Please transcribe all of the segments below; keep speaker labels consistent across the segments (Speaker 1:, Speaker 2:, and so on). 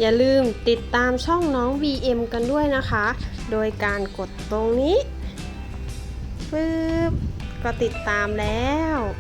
Speaker 1: อย่าลืมติดตามช่องน้อง VM กันด้วยนะคะ โดยการกดตรงนี้ปึ๊บก็ติดตามแล้ว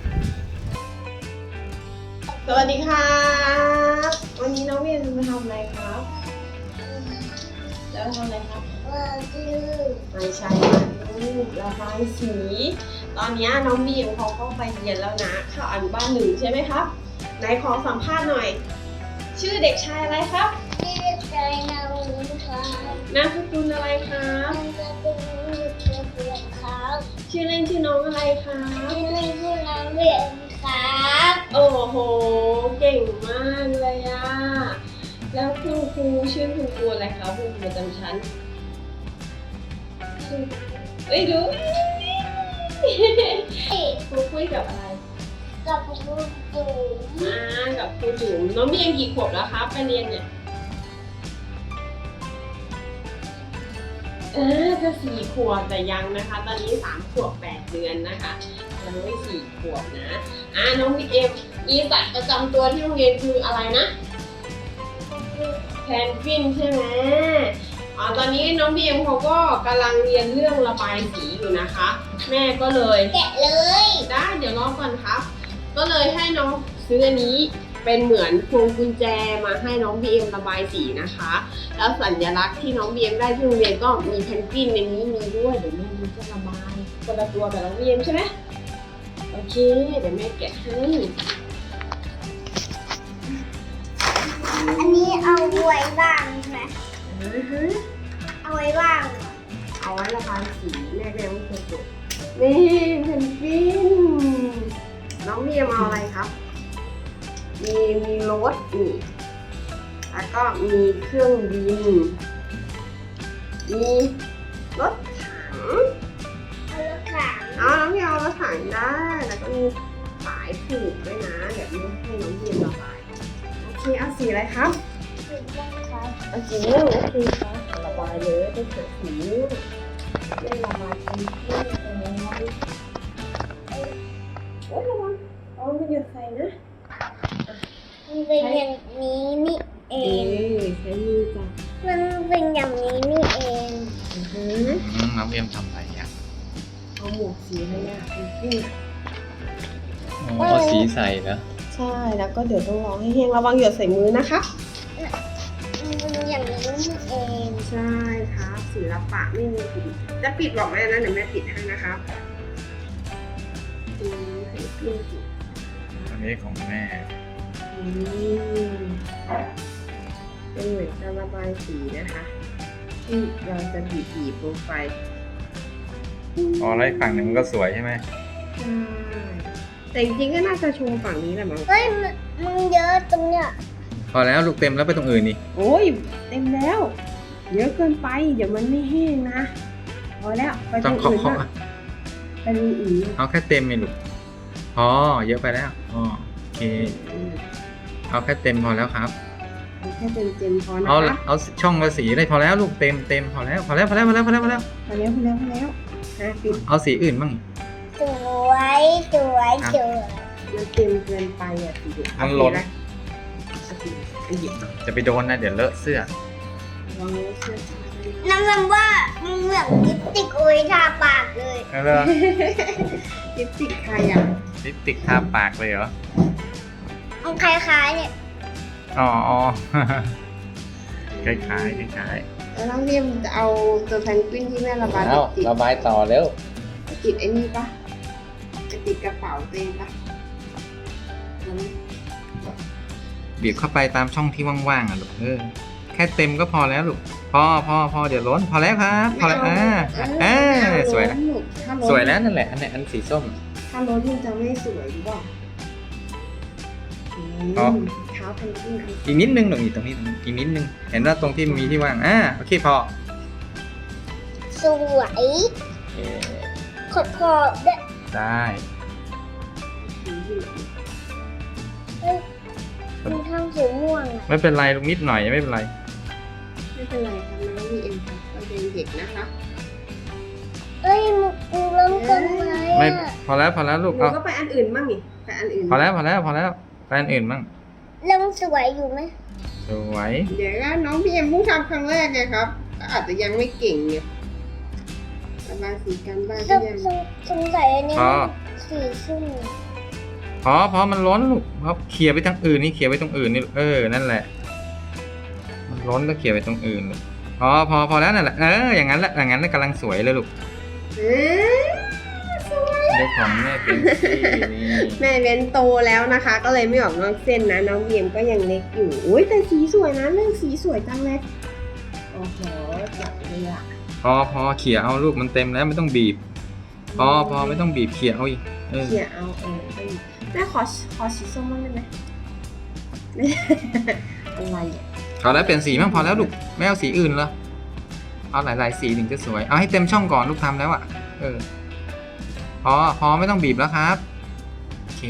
Speaker 1: สวัสดีครับวันนี้น้อง VM จะมาทำอะไรครับจะมาทำอะไรครับไม่ใช่ระบายสี ตอนนี้น้อง VM เขาเข้าไปเรียนแล้วนะเข้าอนุบาลหนึ่งใช่ไหมครับไหนขอสัมภาษณ์หน่อยชื่อเด็กชายอะไรครับ
Speaker 2: ชื่อเด็กชายนามสกุลครับ
Speaker 1: นามสกุลอะไรครับ
Speaker 2: นามสกุลเกียรติครับ
Speaker 1: ชื่อเล่นชื่อน้องอะไรครับ
Speaker 2: ชื่อเล่นชื่อน้องเวียนครับ
Speaker 1: โอ้โหเก่งมากเลยอะแล้วคุณครูชื่อคุณครูอะไรครับคุณครูประจำชั้นเอ้ยดูครูคุยกับอะไร
Speaker 2: กับครูจุ๋ม
Speaker 1: กับครูจุ๋มน้องมีอายุกี่ขวบแล้วครับไปเรียนเนี่ยจะ4 ขวบแต่ยังนะคะตอนนี้3 ขวบ 8 เดือนนะคะยังไม่4 ขวบนะน้องเอ็มมีสัตว์ประจำตัวที่โรงเรียนคืออะไรนะแพนกวินใช่ไหมตอนนี้น้องบีเอ็มเขาก็กำลังเรียนเรื่องระบายสีอยู่นะคะแม่ก็เลย
Speaker 2: แกะเลย
Speaker 1: ได้เดี๋ยวรอก่อนครับก็เลยให้น้องซื้ออันนี้เป็นเหมือนพวงกุญแจมาให้น้องบีเอ็มระบายสีนะคะแล้วสัญลักษณ์ที่น้องบีเอ็มได้ที่โรงเรียนก็มีแพนกวินในนี้มีด้วยเดี๋ยวแม่จะระบายคนละตัวกับน้องบีเอ็มใช่ไหมโอเคเดี๋ยวแม่แกะให้
Speaker 2: อันนี้เอาไว้บ้างใช่ไหมเอาไว้บ้าง
Speaker 1: เอาไว้ระบายสีแม่ก็ยังไม่เคยจบนี่เพนกวินน้องบีเอ็มเอาอะไรครับมีรถนี่แล้วก็มีเครื่องบินมีรถถัง
Speaker 2: เอารถถัง
Speaker 1: น้องพี่เอารถถังได้แล้วก็มีสายผูกด้วยนะเดี๋ยวนี้ให้น้องเย็นระบายโอเคเอาสีอะไรครับ
Speaker 2: สีม่วงครับ
Speaker 1: เอาสีม่วงโอเคครับระบายเลยได้เกิดสีม่วงได้ระบายเป็นที่เลยโอ้ยระวังเอาไม่หยุดใส่นะ
Speaker 2: มันเป็นอย่างนี้นี่เอง
Speaker 1: ใช้มือจับ
Speaker 2: มันเป็นอย่างนี้นี่เอง
Speaker 3: น้องเอ็มทำอะไรอ่ะ
Speaker 1: เอาหมวกสีอะไรอ่ะพี่
Speaker 3: เอาสีใส่นะ
Speaker 1: ใช่แล้วก็เดี๋ยวต้องรอให้แห้งระวังหยดใส่มือนะคะ
Speaker 2: มันเป็นอย่างนี้นี่เอง
Speaker 1: ใช่ครับศิลปะไม่มีปิดจะปิดบอกแม่นะเดี๋ยวแม่ปิดให้นะครับ
Speaker 3: อันนี้ของแม่
Speaker 1: เป็นเหมือนการระบายสีนะคะที่เราจะบีบลงไป
Speaker 3: แล้วอีกฝั่งหนึ่งมันก็สวยใช่ไหม
Speaker 1: ใช่แต่จริงๆก็น่าจะโชว์ฝั่งนี้แหละมั้ง
Speaker 2: เฮ้ยมันเยอะตรงเนี้ย
Speaker 3: พอแล้วลูกเต็มแล้วไปตรงอื่นนี่
Speaker 1: โอ้ยเต็มแล้วเยอะเกินไปเดี๋ยวมันไม่แห้งนะพอแล้วไปตรงอื่นนะไปตรงอื่น
Speaker 3: เอาแค่เต็มเลยลูกพอเยอะไปแล้วโอเคเอาแค่เต็มพอแล้วครับ
Speaker 1: แค่เต็มพอนะคะ
Speaker 3: เอาช่องละสีได้พอแล้วลูกเต็มพอแล้วเอาสีอื่นบ้าง
Speaker 2: สวย
Speaker 1: มันเต็มเกินไปอ่ะสีเด็ก
Speaker 3: มันล้นจะไปโดนนะเดี๋ยวเลอะเสื้อ
Speaker 2: น้ำว่ามันเหมือนลิปสติกโอ้ยทาปากเลย
Speaker 1: ลิปสติกใครอ่ะ
Speaker 3: ลิปสติกทาปากเลยเหรอ
Speaker 2: มันคล้ายๆเนี่ย
Speaker 3: อ๋อคล้าย
Speaker 1: แล้วน้องเรียมจะเอาตัวแพนกวินที่แม่ระบาย
Speaker 3: ติดระบายต่อเร็ว
Speaker 1: ติดไอ้นี่ปะจะติดกระเป๋าตัวเองปะ
Speaker 3: บีบเข้าไปตามช่องที่ว่างๆอ่ะลูกแค่เต็มก็พอแล้วลูกพอเดี๋ยวล้นพอแล้วครับพอแล้วสวยแล้วนั่นแหละอันสีส้ม
Speaker 1: ถ้าล้นมันจะไม่สวยหรือเปล่าเท้าแพนกวิน
Speaker 3: อีกนิดนึงหนูอีกตรงนี้อีกนิดนึงเห็นว่าตรงที่มีที่ว่างโอเคพอ
Speaker 2: สวยขอบ
Speaker 3: ได้
Speaker 2: มันทำสีม่วง
Speaker 3: ไม่เป็นไรลูกนิดหน่อยไม่เป็นไร
Speaker 1: ครับน้องมีเอ็มครับเราเป็นเด็กนะคะ
Speaker 2: มึงล้มกันไหม
Speaker 3: ไม่พอแล้วลูก
Speaker 1: เอาก็ไปอันอื่นบ้างนี่ไปอันอื่น
Speaker 3: พอแล้วไปอันอื่นบ้าง
Speaker 2: เริ่มสวยอยู่ไหม
Speaker 3: สวย
Speaker 1: เดี๋ยวก็น้องพี่เอ็มเพิ่งทำครั้งแรกไงครับก็อาจจะยังไม่เก่งไงระบายสีกันบ้าง
Speaker 2: ส
Speaker 1: พี่เอ็ม
Speaker 2: สงสัยอันนี้
Speaker 3: พอ
Speaker 2: สีชุ่ม
Speaker 3: พอมันล้นลูกเพราะเขี่ยไปทางอื่นนี่เขี่ยไปตรงอื่นนี่นั่นแหละ มันล้นแล้วเขี่ยไปตรงอื่นลูกพอแล้วนั่นแหละอย่างนั้นแหละอย่างนั้นกำลังสวยเลยลูก
Speaker 1: สวย
Speaker 3: เดี๋ยวของแม่เป็นสีนี่
Speaker 1: แม่เว้นโตแล้วนะคะ ก็เลยไม่ออกนอกเส้นนะน้องพี่เอ็มก็ยังเล็กอยู่อุ้ยแต่สีสวยนะเรื่องสีสวยจังเลยโอ้โหจับเลยอะ
Speaker 3: พอเขี่ยเอาลูกมันเต็มแล้วไม่ต้องบีบ พอไม่ต้องบีบเขี่ยเอาอีก
Speaker 1: เขี่ยเอาไปแม่ขอสีส้มบ้างได้ไหม อะไรอ่ะ
Speaker 3: พอแล้วเปลี่ยนสีบ้างพอแล้วลูกไม่เอาสีอื่นเหรอเอาหลายสีถึงจะสวยเอาให้เต็มช่องก่อนลูกทำแล้วอ่ะพอไม่ต้องบีบแล้วครับโอเค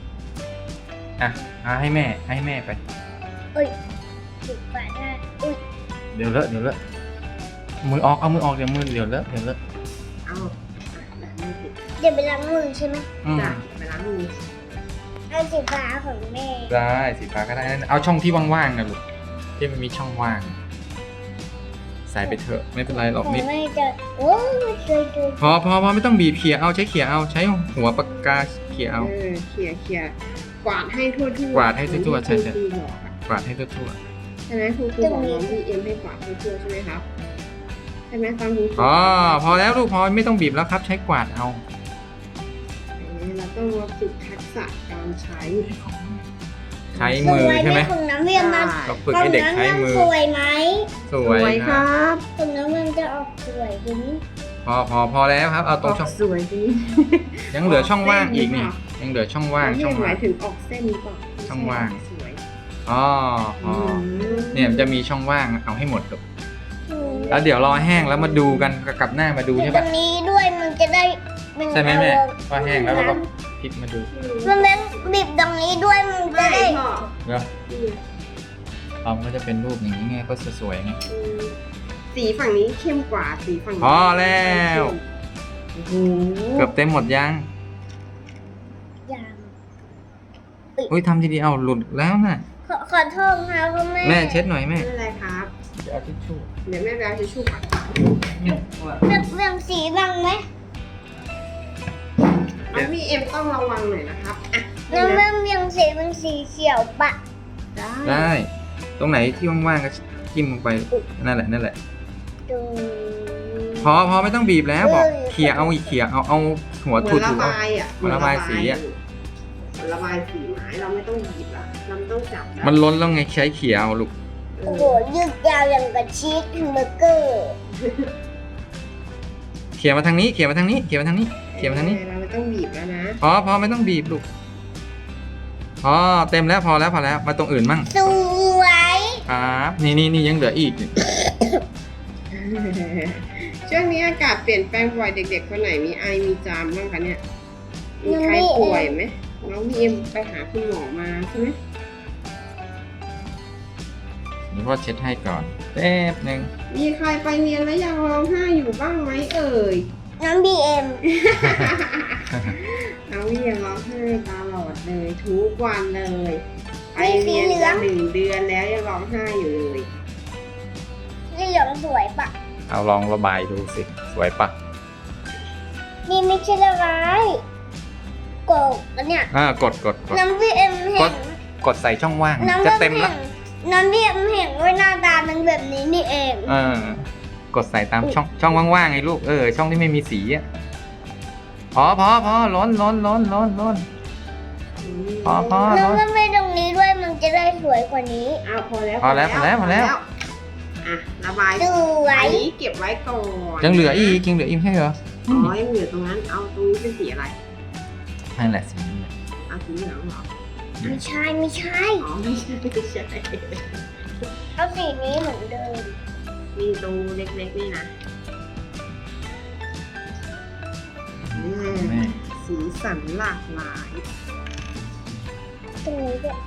Speaker 3: ให้แม่ไป
Speaker 2: ติดฝาได้อุ้ย
Speaker 3: เดี๋ยวเลอะเอามือออกเดี๋ยวเลอะ
Speaker 1: เอาแบบนี้ติด
Speaker 2: เดี๋ยวไปล้างมือใช่ไหม
Speaker 1: จ้ะไปล้างมือ
Speaker 2: เอาสีฟ้าของแม่
Speaker 3: ได้สีฟ้าก็ได้นั่นเอาช่องที่ว่างๆนะลูกที่มันมีช่องว่างใส่ไปเถอะไม่เป็นไรหรอก
Speaker 2: ของ
Speaker 3: นิด
Speaker 2: แม่จะโอ้ยสวย
Speaker 3: พอไม่ต้องบีบเขี่ยเอาใช้เขี่ยเอาใช้หัวปากกาเขี่ยเอา
Speaker 1: เขี่ยกวาดให้ทั่วๆ
Speaker 3: กวาดให้ทั่วๆใช่
Speaker 1: ครูบอกอะ
Speaker 3: กวาดให้ทั่ว
Speaker 1: ใช่ไหมครูบอกน้องพี่เอ็มให้กวาดทั่วๆใช่ไหมครับใช่ไหมฟังครู
Speaker 3: พอแล้วลูกพอไม่ต้องบีบแล้วครับ ใช้กวาดเอา
Speaker 1: เราต้องมาฝึกทักษะการใช้
Speaker 3: ใช้
Speaker 2: ๆ
Speaker 3: มือ
Speaker 2: สวย
Speaker 3: ใช่ไหม
Speaker 2: ของน้ำเวียนมา
Speaker 3: เราฝึกให้เด็กใช้มือ
Speaker 2: สวยไหม
Speaker 3: สวยค
Speaker 1: ครับ รับ
Speaker 2: ของน้ำเวียนจะออกสวยดี
Speaker 3: พอแล้วครับเอาตรงช่อง
Speaker 1: สวยดี
Speaker 3: ยังเหลือช่องว่างอีกนี่ยังเหลือช่องว่าง
Speaker 1: ช่
Speaker 3: ช่
Speaker 1: อ
Speaker 3: อง ง
Speaker 1: ห
Speaker 3: ว่า
Speaker 1: มาง ยถึงออกเส้นหรือเปล่า
Speaker 3: ช่องว่าง
Speaker 1: สวย
Speaker 3: เนี่ยมันจะมีช่องว่างเอาให้หมดลูก
Speaker 2: อืม
Speaker 3: แล้วเดี๋ยวรอแห้งแล้วมาดูกันกลับหน้ามาดู
Speaker 2: อยู่
Speaker 3: ใช่
Speaker 2: ตร
Speaker 3: ปะ
Speaker 2: งนี้ด้วยมันจะได้น
Speaker 3: ใช่ไหมแม่
Speaker 2: เอา
Speaker 3: พอแห้งแล้วเราก็พลิกมาดู
Speaker 2: มันเป็นบีบตรงนี้ด้วยมันจะ
Speaker 1: ได้
Speaker 2: ได้
Speaker 1: พ่อ
Speaker 3: เนาะมันก็จะเป็นรูปอย่างนี้ไงก็สวยๆไง
Speaker 1: สีฝั่งนี้เข้มกว่าสีฝั่งนี้
Speaker 3: พอแล้ว
Speaker 1: โอ้โห
Speaker 3: เกือบเต็มหมดยัง
Speaker 2: อย่าง
Speaker 3: อุ้ยทำทีเดียวหลุดแล้วน่ะ
Speaker 2: ขอโทษค่ะพ่อแม่
Speaker 3: แม่เช็ดหน่อยแม่
Speaker 1: ไม่เป็นไรครับ
Speaker 3: เดี๋ยวเอาทิชชู่
Speaker 1: เดี๋ยวแม่ไปเอาทิชชู่ก่อน
Speaker 2: เรื่องสีบ้างไหม
Speaker 1: น้องพี่เอ็มต้องระวังหน่อยนะครับอ่ะ
Speaker 2: น้ำเรื่องสีเป็นสีเขียวปะ
Speaker 1: ได้
Speaker 3: ได้ ตรงไหนที่ว่างๆก็จิ้มลงไปนั่นแหละ
Speaker 2: ดู
Speaker 3: พอไม่ต้องบีบแล้วบอกเขี่ยเอาอีกเขี่ยเอาหัว
Speaker 1: เหมื
Speaker 3: ถู
Speaker 1: อนระ
Speaker 3: ๆเอา
Speaker 1: บายอ่ะ
Speaker 3: เหมือนระบายสีอะ
Speaker 1: เหมือนระบายสีไม้เราไม่ต้องหยิบละเราไม่ต้องจับละ
Speaker 3: มันล้นแล้วไงใช้เขี่ยเอาลูก
Speaker 2: โอ้โหยืดยาวอย่างกับชีสแฮมเบอร์เกอร์
Speaker 3: เขี่ยมาทางนี้เขี่ยมาทางนี้เขี่ยมาทางนี้เขี่ยมาทางนี้
Speaker 1: เราไม่ต้องบีบแล้วนะ
Speaker 3: พอไม่ต้องบีบลูกเต็มแล้วพอแล้วมาตรงอื่นมั่ง
Speaker 2: สวย
Speaker 3: ครับนี่ยังเหลืออีก
Speaker 1: ช่วงนี้อากาศเปลี่ยนแปลงบ่อยเด็กๆคนไหนมีไอมีจามบ้างคะเนี่ยมีใครป่วยไหมน้องพีเอ็มไปหาคุณหมอมาใช่ไหม
Speaker 3: นี่พ่อเช็ดให้ก่อนแป๊บนึง
Speaker 1: มีใครไปเรียนแล้วยังร้องไห้อยู่บ้างไหมเอ่ย
Speaker 2: น้ำบีเอ็ม
Speaker 1: น้องพี่ยังร้องไห้ตลอดเลยทุกวันเลยไปเรียนมา1 เดือนแล้วยังร้องไห้อยู่เลย
Speaker 2: นี่เหลืองสวยปะ
Speaker 3: เอาลองระบายดูสิสวยปะ
Speaker 2: นี่ไม่ใช่ละลายกดอันเนี่ย
Speaker 3: กด
Speaker 2: น้ำบีเอ็มเห็น
Speaker 3: กดใส่ช่องว่าง
Speaker 2: น้ำ
Speaker 3: จะ
Speaker 2: บี
Speaker 3: เต็ม
Speaker 2: เอ็
Speaker 3: แล้ว
Speaker 2: มน้ำบีเอ็มเห็นว่าหน้าตามันแบบนี้นี่เอง
Speaker 3: กดใส่ตามช่องว่างๆไงลูกช่องที่ไม่มีสีอ่ะพอล้นพอ
Speaker 2: แล้วก็ไม่ตรงนี้ด้วยมันจะได้สวยกว่านี้
Speaker 1: อ้าวพอแล้ว
Speaker 3: พอแล้ว
Speaker 1: อ่ะระบาย
Speaker 2: สวย
Speaker 1: อันนี้เก็บไว้ก่อน
Speaker 3: ยังเหลืออีกใช่เหรอ
Speaker 1: อ๋อยังเหลือตรงนั้นเอาตรงนี้เป็นสีอะไร
Speaker 3: นั่นแหละสีนี้แหละ
Speaker 1: เอาสีเหลืองเหรอ
Speaker 2: ไม่ใช่
Speaker 1: อ๋อไม่ใช่
Speaker 2: เอาสีนี้เหมือนเดิม
Speaker 1: มีตรงเล็กๆนี่นะ
Speaker 3: แม่
Speaker 1: สีสันหลากหลาย
Speaker 2: ตรงนี้ด้วย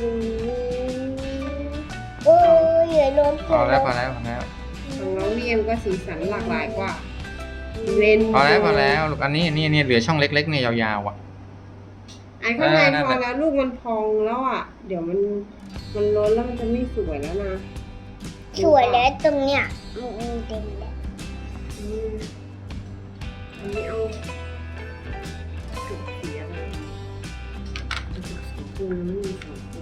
Speaker 2: โอ้ยเหลือล้น
Speaker 3: พอแล้ว
Speaker 1: ของน้องเวียมก็สีสันหลากหลายกว่าเรน
Speaker 3: พอแล้วลูกอันนี้เหลือช่องเล็กๆเนี่ยยาวๆอ่ะ
Speaker 1: อันข้างในพอแล้วลูกมันพองแล้วอ่ะ เดี๋ยวมันล้นแล้วมันจะไม่สวยแล้วนะ
Speaker 2: สวยแล้วตรงเนี้ยมันเต็มแล้ว
Speaker 1: อืมอันนี้เอาจุกสีอะไรจุกสีปูนะไม่มีสีปู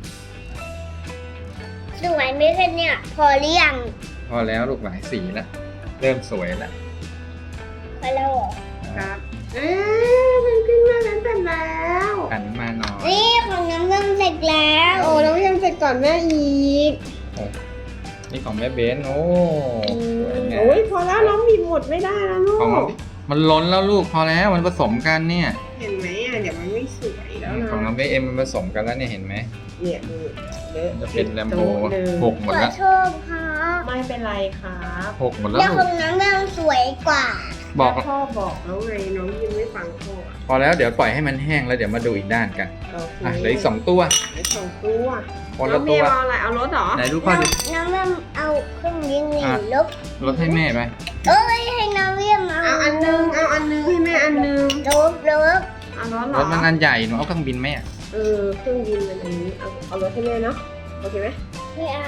Speaker 2: สวยไหมคะเนี่ยพอหรือยัง
Speaker 3: พอแล้วลูกหลายสีแล้วเริ่มสวยแล้ว
Speaker 2: พอแล้วเหรอ
Speaker 1: ครับมันขึ้นมาแล้วเสร็จแล้ว
Speaker 3: หันมาหน่อย
Speaker 2: นี่ของน้ำเริ่มเสร็จแล้ว
Speaker 1: โอ้แล้วยังเสร็จก่อนแม่อีก
Speaker 3: นี่ของแม่เบนโอ้สวยงาม
Speaker 1: โอ้ยพอแล้วน้องบีบหมดไม่ได้แล้วลู
Speaker 3: ของเรา
Speaker 1: ก
Speaker 3: มันล้นแล้วลูกพอแล้วมันผสมกันเนี่ย
Speaker 1: เห็นไหมอ่ะเดี๋ยวมันไม่สวยแล้วนะ
Speaker 3: ของน้องเบเอ็มมันผสมกันแล้วเนี่ยเห็นไหม
Speaker 1: เนี่ยดูเลอะ
Speaker 3: จะเป็นแลมโบ
Speaker 1: เลย
Speaker 3: หกหมด
Speaker 2: ขอ
Speaker 3: แล้ว
Speaker 2: โทษครับ
Speaker 1: ไม่เป็นไรครับ
Speaker 3: หกหมดแล้ว
Speaker 2: แล้ว
Speaker 3: ลู
Speaker 2: ข
Speaker 3: ก
Speaker 2: องน้ำเริ่มสวยกว่า
Speaker 3: บอก
Speaker 1: พ่อบอกแล้วไงน้องยังไม่ฟังพ่ออ่ะ
Speaker 3: พอแล้วเดี๋ยวปล่อยให้มันแห้งแล้วเดี๋ยวมาดูอีกด้านกัน
Speaker 1: โอเค
Speaker 3: อ่ะเหลืออีก2 ตัว
Speaker 1: เหลือสองตัว
Speaker 3: คน
Speaker 1: น้
Speaker 3: ละ
Speaker 1: องเม
Speaker 3: ตัว
Speaker 1: ย์เอาอะไรเอารถเหรอ
Speaker 3: ไหนดูพ่อดู
Speaker 2: น้ำเริ่มเอาเครื่องยิงหนี
Speaker 3: อ่ะ
Speaker 2: ลบ
Speaker 3: ลดให้แม่ไป
Speaker 2: เอ้ยให้น้ำเริ่ม
Speaker 1: เอาอันนึงเอาอันนึงให้แม่อันนึง
Speaker 2: ลบ
Speaker 1: เอารถเหร
Speaker 3: ร
Speaker 1: อ
Speaker 3: ถมันอันใหญ่หนูเอาเครื่องบินไหมอ่ะ
Speaker 1: เครื่องบินมันอันนี้เอารถให้แม่เนาะโอเคไหม
Speaker 2: ไม่เอา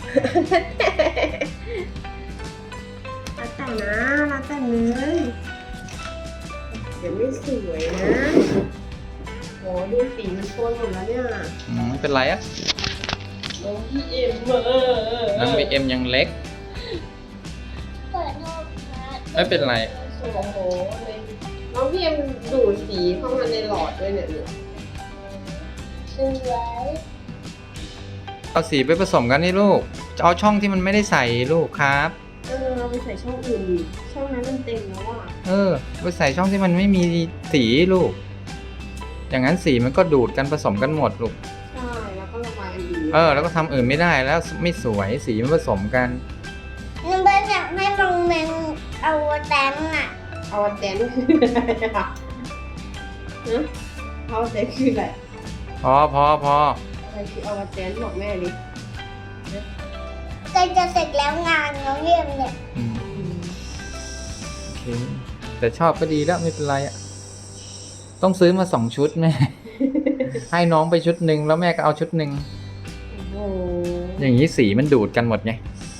Speaker 1: แล้วแต่นะแล้วแต่เลยเดี๋ยวไม่สวยนะโหดูสีมันโทนหมดแล้วเนี่ย
Speaker 3: ไม่เป็นไรอ่ะ
Speaker 1: น้องพี่เอ็ม
Speaker 3: น้องบีเอ็มยังเล็ก
Speaker 2: เปิดโทษครับ
Speaker 3: ไม่เป็นไร
Speaker 1: โอ้โหเลยน้องพี่เอ็มดูดสีเข้ามาในหลอดด้วยเนี่ย
Speaker 2: สวย
Speaker 3: เอาสีไปผสมกันนี่ลูกจะเอาช่องที่มันไม่ได้ใส่ลูกครับ
Speaker 1: เราไปใส่ช่องอื่นดิช่องนั้นมันเต็มแล้วอ่ะ
Speaker 3: ไปใส่ช่องที่มันไม่มีสีลูก อย่างนั้นสีมันก็ดูดกันผสมกันหมดลูก
Speaker 1: ใช่แล้วก็ระบายอันอื่น
Speaker 3: แล้วก็ทำอื่นไม่ได้แล้วไม่สวยสีมันผสมกัน
Speaker 2: น้ำเบิ้ลอยากให้มองเมนเอาแตงอ่ะ
Speaker 1: เอาแดนคืออะไรอ่ะฮะเอาแดนคืออะไร
Speaker 3: พอ
Speaker 1: อะไรคือเอาแดนบอกแม่ดิ
Speaker 2: ใกล้จะเสร็จแล้วงานน้องเยี่ยมเนี่ย
Speaker 3: อืมโอเคแต่ชอบก็ดีแล้วไม่เป็นไรอ่ะ ต้องซื้อมา2 ชุดแม่ ให้น้องไปชุดหนึ่งแล้วแม่ก็เอาชุดหนึ่ง
Speaker 1: โอ้โห
Speaker 3: อย่างนี้สีมันดูดกันหมดไง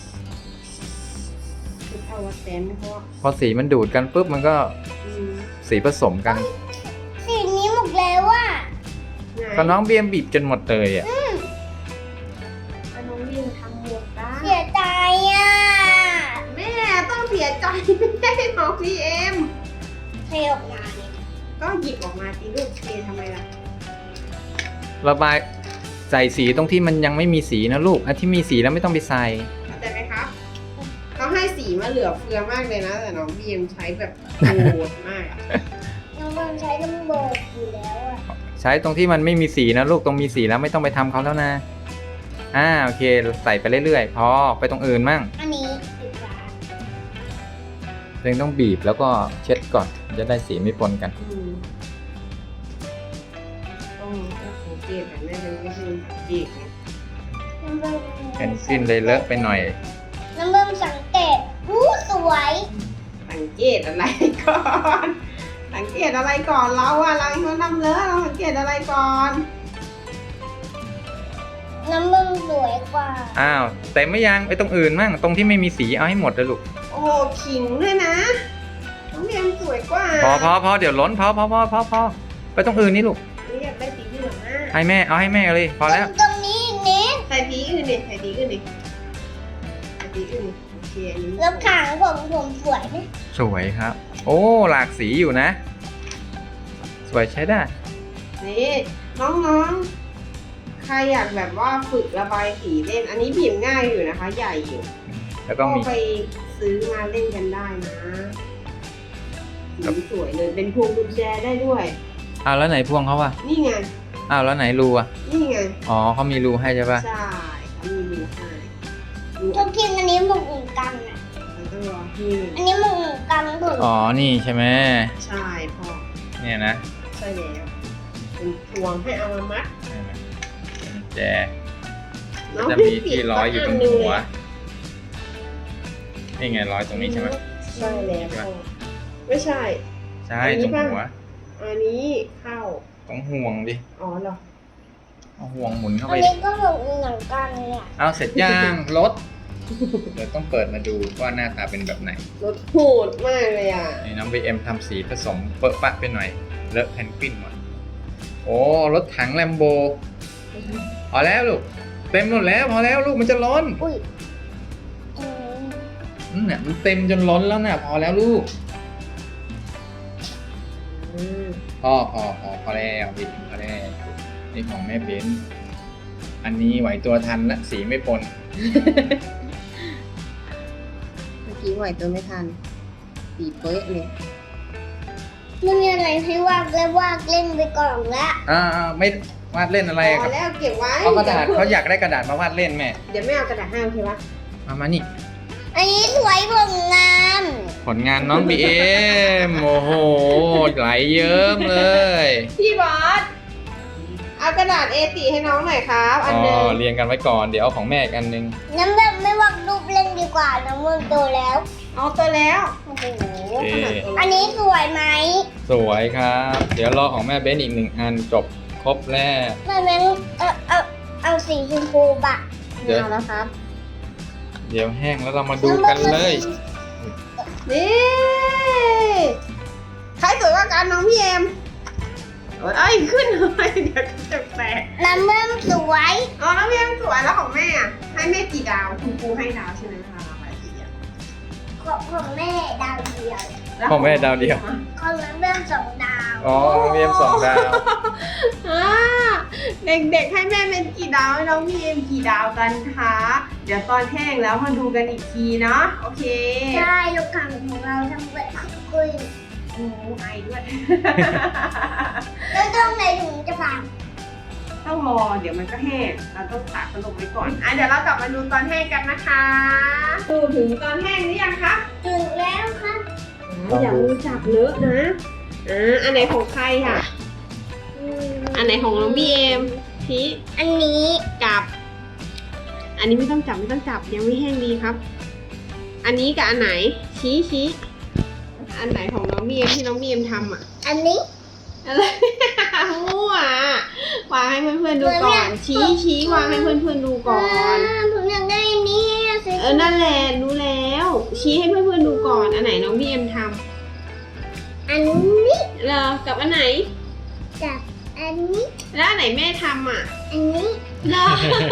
Speaker 1: คือเอาแดนเพราะ
Speaker 3: พอสีมันดูดกันปุ๊บมันก็สีผสมกัน
Speaker 2: สีนี้หมดแล้วอ่ะ
Speaker 3: ก็น้องเบียมบีบจนหมดเลยอ่ะ
Speaker 1: ก็น้องเรียนทำหมดได้
Speaker 2: เสียใจอ่ะ
Speaker 1: แม่ต้องเสียใจไม่ได้น้องพี่เอ็ม
Speaker 2: เทออกมาเนี่ย
Speaker 1: ก็หยิบออกมาตีลูกเททำไมล่ะ
Speaker 3: ระบายใส่สีตรงที่มันยังไม่มีสีนะลูกอันที่มีสีแล้วไม่ต้องไปใส่
Speaker 1: เข้าใจไหมครับเขาให้สีมาเหลือเฟือมากเลยนะ แต่น้องบีเอ็มใช้แบบโหดมากอะ
Speaker 2: น้องเบิ้ลใช้น้ำโบกอยู่แล้วอ่ะ
Speaker 3: ใช้ตรงที่มันไม่มีสีนะลูกตรงมีสีแล้วไม่ต้องไปทำเขาแล้วนะโอเคใส่ไปเรื่อยๆพอไปตรงอื่นมั่ง
Speaker 2: อันนี้ปิดฝา
Speaker 3: ยังต้องบีบแล้วก็เช็ดก่อนจะได้สีไม่ปนกัน
Speaker 1: ต้องสังเกตแบบแม่เป็นก็คือสังเกตไง
Speaker 2: น้ำเบิ้ล
Speaker 3: เป็นสิ้นเลยเลอะไปหน่อย
Speaker 2: น้ำเบิ้ลสังเกตสวย
Speaker 1: สังเกตอะไรก่อน สังเกตอะไรก่อนเราอะเราเขานำเลอะเราสังเกตอะไรก่อน
Speaker 2: น้ำเบิ้ลสวยกว่า
Speaker 3: อ้าวแต่ไม่ยังไปตรงอื่นมั่งตรงที่ไม่มีสีเอาให้หมดเลยลูก
Speaker 1: โอ้โหขิงด้วยนะน้องเรียนสวยกว่า
Speaker 3: พอเดี๋ยวล้นพอไปตรงอื่นนี่ลูก
Speaker 1: นี่อยากได้สีเหลืองอะ
Speaker 3: ให้แม่เอาให้แม่เลยพอแล้ว
Speaker 2: ตรงนี้นิด
Speaker 1: ใส่สีอื่นดิใส่สีอื่นดิใส่สีอื่นดิโอเคอันนี้
Speaker 2: แล้วขางผมสวยไหม
Speaker 3: สวยครับ โอ้หลากสีอยู่นะ สวยใช้ได้
Speaker 1: นี่น้องๆ ใครอยากแบบว่าฝึกระบายสีเล่น อันนี้บีบง่ายอยู่นะคะ ใหญ่อยู่
Speaker 3: แล้วก็มี
Speaker 1: ไปซื้อมาเล่นกันได้นะสีสวยเลยเป็นพวงกุญแจได้ด้วย
Speaker 3: อ้าวแล้วไหนพวงเขาอะ
Speaker 1: นี่ไง
Speaker 3: อ้าวแล้วไหนรูอะ
Speaker 1: นี่ไง
Speaker 3: อ๋อเขามีรูให้ใช่ปะ
Speaker 1: ใช่เขามีดูให้ดู
Speaker 2: ทุกทีอันนี้หมกหนึ่งกันอ่ะ
Speaker 1: แล้วต้องรอที่
Speaker 2: อันนี้หมกหนึ่งกันผม
Speaker 3: อ๋อนี่ใช่ไหม
Speaker 1: ใช่พ่อ
Speaker 3: เนี่ยนะ
Speaker 1: ใช่แล้วเป็นพวงให้เอามามัด
Speaker 3: กุญแจ
Speaker 1: น้อง
Speaker 3: จะมีที่ร้อยอยู่ตรงหัว นี่ไงร้อยตรงนี้ใช่ไหม
Speaker 1: ใช่แล้วพ่อไม่ใช่
Speaker 3: ใช่
Speaker 1: อันนี้
Speaker 3: ตรง
Speaker 1: ป่ะ
Speaker 3: หัว
Speaker 1: อันนี้เข้า
Speaker 3: ต้องห่วงดิ
Speaker 1: อ๋อเหรอ
Speaker 3: เอาห่วงหมุนเข้า
Speaker 2: อั
Speaker 3: ไป
Speaker 2: นนี้ก็เหมือนกันเลยอ่ะ
Speaker 3: เอาเสร็จย่างรถเดี๋ยวต้องเปิดมาดูว่าหน้าตาเป็นแบบไหน
Speaker 1: รถโหดมากเลยอ่ะ
Speaker 3: นี่น้อง BM ทำสีผสมเปอะปะไปหน่อยเลอะแพนกวินหมดโอ้รถถังแลมโบพอแล้วลูกเต็มหมดแล้วพอแล้วลูกมันจะล้น
Speaker 2: อุ้ย
Speaker 3: เนี่ยมันเต็มจนล้นแล้วน่ะพอแล้วลูกพอแล้วบิดพอแล้วนี่ของแม่เบนอันนี้ไหวตัวทันละสีไม่ปน
Speaker 1: เมื่อกี้ไหวตัวไม่ทันสีเป๊ะเลย
Speaker 2: ไม่มีอะไรให้วาดแล้ววาดเล่นไปก่อนละ
Speaker 3: ไม่วาดเล่นอะไร
Speaker 1: พ
Speaker 3: กั
Speaker 1: อบ แล้วเก็บไว้
Speaker 3: เอากระดาษเขาอยากได้กระดาษมาวาดเล่นแม่
Speaker 1: เดี๋ยวไม่เอากระดาษให้โอเคปะ
Speaker 3: มานี่
Speaker 2: อันนี้สวยผลงาน
Speaker 3: ผลงานน้อง BM โอ้โหไหลเยิ้มเลย
Speaker 1: พี่บอสเอากระดาษ A4 ให้น้องหน่อยครับอันหนึง
Speaker 3: เรียงกันไว้ก่อนเดี๋ยวเอาของแม่อีกอันนึง
Speaker 2: น้ำแบบไม่วาดรูปเล่นดีกว่าน้ำมันโตแล้ว
Speaker 1: เอาตัวแล้วโอ้โห
Speaker 3: โอเค
Speaker 1: ขนาดตัว
Speaker 2: อันนี้สวยไหม
Speaker 3: สวยครับ เดี๋ยวรอของแม่เบนอีก1 อันจบครบแล้ว
Speaker 2: แม่แม่เอาสีชมพูบะ
Speaker 3: เดี๋ยว
Speaker 1: เอาแล้วครับ
Speaker 3: เดี๋ยวแห้งแล้วเรามาดูกันเลย
Speaker 1: นี่ใครสวยกว่ากันน้องพี่เอ็มเอ้ยขึ้นเลยเดี๋ยวจะแตก
Speaker 2: น้ำมันสวย
Speaker 1: อ๋อน้องพี่เอ็มสวยแล้วของแม่อะให้แม่กี่ดาวคุณครูให้ดาวใช่ไหมคะระบายสีอะ
Speaker 2: ของแม่ดาวเดียว
Speaker 1: แล้ว
Speaker 3: ของแม่ดาวเดียว
Speaker 2: ของน้ำมัน2 ดาว
Speaker 3: อ๋อเรียม2 ดาว
Speaker 1: อ่าเด็กๆให้แม่เป็นกี่ดาวให้น้องพี่เอ็มกี่ดาวกันคะเดี๋ยวตอนแห้งแล้วมาดูกันอีกทีเนาะโอเค
Speaker 2: ใช่ลูกค้าของเราทำแบบคุย
Speaker 1: โอ้ไอด้วย
Speaker 2: แล้วตรงไหนถึงจะผ่าน
Speaker 1: ต้องรอเดี๋ยวมันก็แห้งเราต้องตากขนมไว้ก่อนเดี๋ยวเรากลับมาดูตอนแห้งกันนะคะดูถึงตอนแห้งหรือยังคะ
Speaker 2: ถึงแล้วค่ะ
Speaker 1: อย่ามือจับเลอะนะอันไหนของใครค่ะ อันไหนของน้องบีเอ็มชี้
Speaker 2: อันนี้
Speaker 1: กับ อันนี้ไม่ต้องจับยังไม่แห้งดีครับ อันนี้กับอันไหนชี้อันไหนของน้องบีเอ็มที่น้องบีเอ็มทำอ่ะ
Speaker 2: อันนี้
Speaker 1: อะไร มั่ววางให้เพื่อนๆดูก่อนชี้วางให้เพื่อนๆดูก่อน
Speaker 2: ผมอยากได้อันนี้สิ
Speaker 1: นั่นแหละรู้แล้ว ชี้ให้เพื่อนๆดูก่อน อันไหนน้องบีเอ็มท
Speaker 2: อันนี้
Speaker 1: ำเหรอกับอันไหน
Speaker 2: กับอันนี้
Speaker 1: แล้วอันไหนแม่ทำอ่ะ
Speaker 2: อันนี้
Speaker 1: เหรอ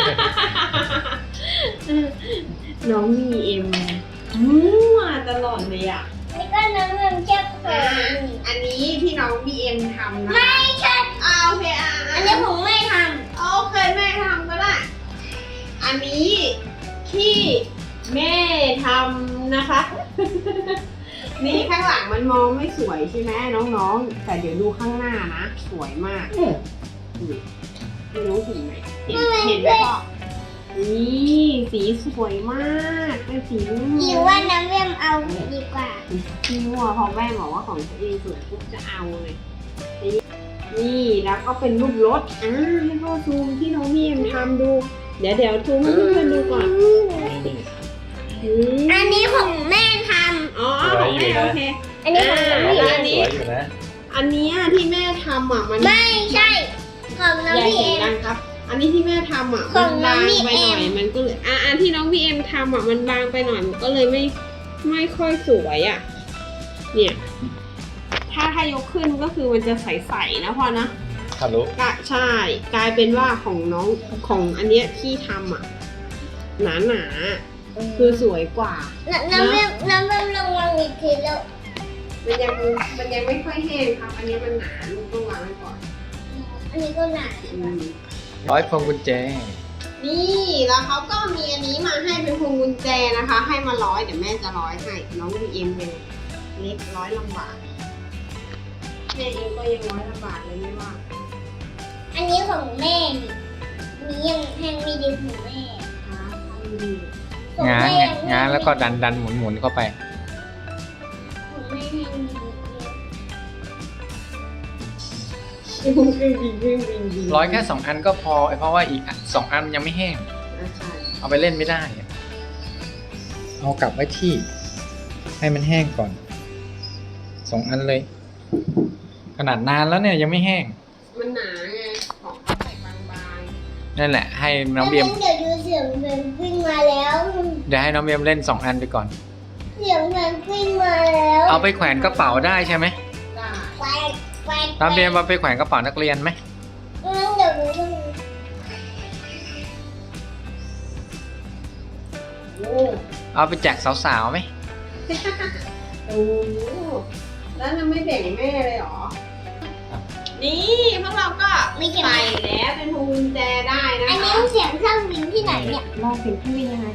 Speaker 1: น้องบีเอ็มมั่วตลอดเลยอ่ะ
Speaker 2: นี่ก็น้ำมันเชื่อมโ
Speaker 1: อันนี้ที่น้องบีเอ็มทำนะ
Speaker 2: ไม่ใช่
Speaker 1: โอเค
Speaker 2: อันนี้ผมไม่ท
Speaker 1: โอเคแม่ทำก็ได้ อันนี้ที่แม่ทำนะคะ นี่ข้างหลังมันมองไม่สวยใช่ไหมน้องๆ แต่เดี๋ยวดูข้างหน้านะ สวยมากไม่รู้สีไหมเห็นไหมพ่อนี่สีสวยมากเป็นสีม่วง
Speaker 2: ำคิดว่าน้ำเวียมเอาดีกว่า
Speaker 1: พี่ม่วงพอแม่บอกว่าของตัวเองสวยปุ๊บจะเอาเลย นี่แล้วก็เป็นรูปรถให้พ่อซูมที่น้องพี่เอ็มทำดู เดี๋ยวซูมให้เพื่อนๆดูก่อน
Speaker 2: อันนี้ของแม่ท
Speaker 1: อ๋อของแม่โอเค
Speaker 2: ำอันนี้ของน้ำ
Speaker 3: น้อง
Speaker 2: เวีย
Speaker 3: เบ
Speaker 2: ม
Speaker 3: นสวยอยู่นะ
Speaker 1: อันเนี้ยที่แม่ทำอ่ะมัน
Speaker 2: ไม่ใช่ ของ
Speaker 1: อย่า
Speaker 2: น้ำเวี
Speaker 1: เสี
Speaker 2: ย
Speaker 1: ยง
Speaker 2: ม
Speaker 1: ดังครับ อันนี้ที่แม่ทำอ่ะ
Speaker 2: ข
Speaker 1: มั
Speaker 2: อน งน้
Speaker 1: บา
Speaker 2: อง
Speaker 1: ง
Speaker 2: พี่
Speaker 1: ไปหน่อย
Speaker 2: เอ็ม
Speaker 1: มันก็เลยอันที่น้องพี่เอ็มทำอ่ะมันบางไปหน่อยมันก็เลยไม่ค่อยสวยอ่ะ เนี่ย ถ้ายกขึ้นก็คือมันจะใสๆนะพ่อนะ
Speaker 3: ทะลุ
Speaker 1: ก็ใช่กลายเป็นว่าของน้องของอันเนี้ยที่ทำอ่ะหนาคือสวยกว่า
Speaker 2: น้ำเวียมลองวางอีกทีแล้ว
Speaker 1: มันยังไม่ค่อยแห้งครับ อันนี้มันหนาลูกต้องวางไว้ก่อน
Speaker 2: อันนี้ก็หนา
Speaker 3: ร้อยพวงกุญแจ
Speaker 1: นี่แล้วเขาก็มีอันนี้มาให้เป็นพวงกุญแจนะคะ ให้มา100เดี๋ยวแม่จะ100ให้น้องบีเอ็มเป็นเล็ก100 ลำบากแม่เองก็ยัง100 ลำบากเลยไม่ว่า
Speaker 2: อันนี้ของแม่นี่ยังแห้งไม่ดีของแม่ ของ
Speaker 3: ง้าง
Speaker 2: แม่
Speaker 3: ไงง้างแล้วก็ดันหมุนเข้าไป
Speaker 2: ของแม่แห้งดี
Speaker 3: ร้อยแค่2 อันก็พอเพราะว่าอีก2 อันมันยังไม่แห้ง เอาไปเล่นไม่ได้อะเอากลับไว้ที่ ให้มันแห้งก่อน2 อันเลย ขนาดนานแล้วเนี่ยยังไม่แห้ง
Speaker 1: มันหนาไงของเขาใส่บาง
Speaker 3: นั่นแหละให้น้องเบียม
Speaker 2: เดี๋ยวดูเสียงเพนกวินมาแล้ว
Speaker 3: เดี๋ยวให้น้องเบียมเล่น2 อันไปก่อน
Speaker 2: เสียงเพนกวินมาแล้ว
Speaker 3: เอาไปแขวนกระเป๋าได้ใช่ไหม
Speaker 1: ๆได้
Speaker 2: แควกแควก
Speaker 3: น้องเบียมเอาไปแขวนกระเป๋านักเรียนไหม
Speaker 2: งั้นเดี๋ยวดูต้อง
Speaker 1: โอ้
Speaker 3: เอาไปแจกสาวๆไหม
Speaker 1: โหแล้วจะไม่แบ่งแม่เลยเหรอ นี่พวกเราก็
Speaker 2: ไม่เก็บ
Speaker 1: ใส่แล้วเป็นพวงกุญแจได้นะ
Speaker 2: อันนี้
Speaker 1: คะ
Speaker 2: เสียงเครื่องบินที่ไหนเนี่ย
Speaker 1: ลองเพนกวินยังไง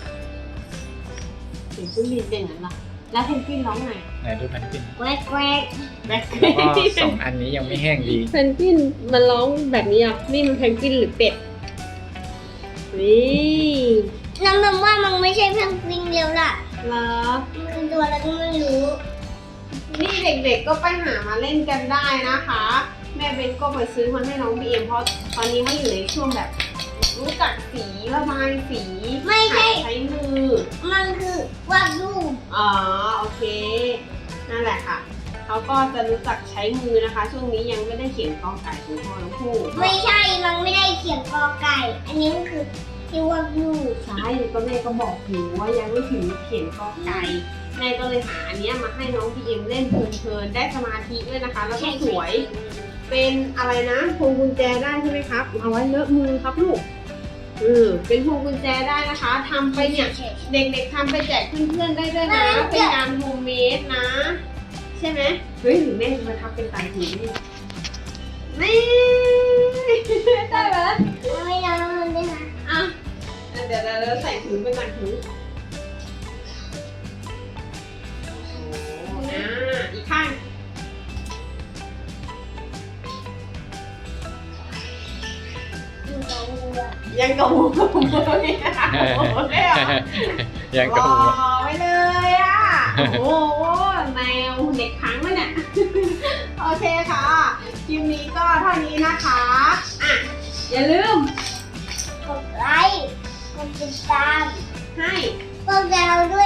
Speaker 1: เสียงเครื่องบินเป็นอย่างนั้นเหรอแล้วเพนกวินร้องไง
Speaker 3: ไหนดูแผ่นปิน
Speaker 2: แควกแควก
Speaker 1: แบ็ค
Speaker 3: แล้วก็2 อันนี้ยังไม่แห้งดี
Speaker 1: เพนกวินมันร้องแบบนี้อ่ะนี่มันเพนกวินหรือเป็ดนี่
Speaker 2: น้ำนมว่ามันไม่ใช่เพนกวินเร็วล่ะ
Speaker 1: เหรอ
Speaker 2: มันคือตัวอะไรก็ไม่รู้
Speaker 1: นี่เด็กๆก็ไปหามาเล่นกันได้นะคะ แม่เบนก็ไปซื้อมันให้น้องบีเอ็มเพราะตอนนี้เขาอยู่ในช่วงแบบรู้จักสีระบายสี
Speaker 2: ไม่ใช่
Speaker 1: หัดใช้มือ
Speaker 2: มันคือวาดรูป
Speaker 1: อ๋อโอเค นั่นแหละค่ะ เขาก็จะรู้จักใช้มือนะคะ ช่วงนี้ยังไม่ได้เขียนกอไก่ของพ่อน้องผู้
Speaker 2: ไม่ใช่ มันไม่ได้เขียนกอไก่ อันนี้มันคือที่วาดรูป
Speaker 1: ใช่ก็แม่ก็บอกอยู่ว่ายังไม่ถึงเขียนกอไก่แม่ก็เลยหาอันเนี้ยมาให้น้องบีเอ็มเล่นเพลินๆได้สมาธิด้วยนะคะ แล้วก็สวย เป็นอะไรนะพวงกุญแจได้ใช่ไหมครับ เอาไว้เลอะมือครับลูกเป็นพวงกุญแจได้นะคะทำไปเนี่ย เด็กๆทำไปแจกเพื่อนๆได้ด้วยนะ เป็นการโฮมเมดนะ ใช่ไหมเฮ้ยหรือแม่มาทำเป็นต่างหูนี่นี่ได้ไหม
Speaker 2: ไม่ได้มันได้นะ
Speaker 1: อ่ะเดี๋ยวเราใส่ถุงเป็นต่างหูอีกข้าง
Speaker 2: อยู่ตรงนี้อะ
Speaker 1: ยังกระหูกระหูเนี่ยโอ้โหเลยเหรอ
Speaker 3: ยังกระหู
Speaker 1: รอไว้เลยอ่ะ โอ้โหแมวเด็กพังวะเนี่ย โอเคค่ะ คลิปนี้ก็เท่านี้นะคะ อ่ะ อย่าลืม
Speaker 2: กดไลค์ กดติดตาม
Speaker 1: ให้
Speaker 2: พวกเราด้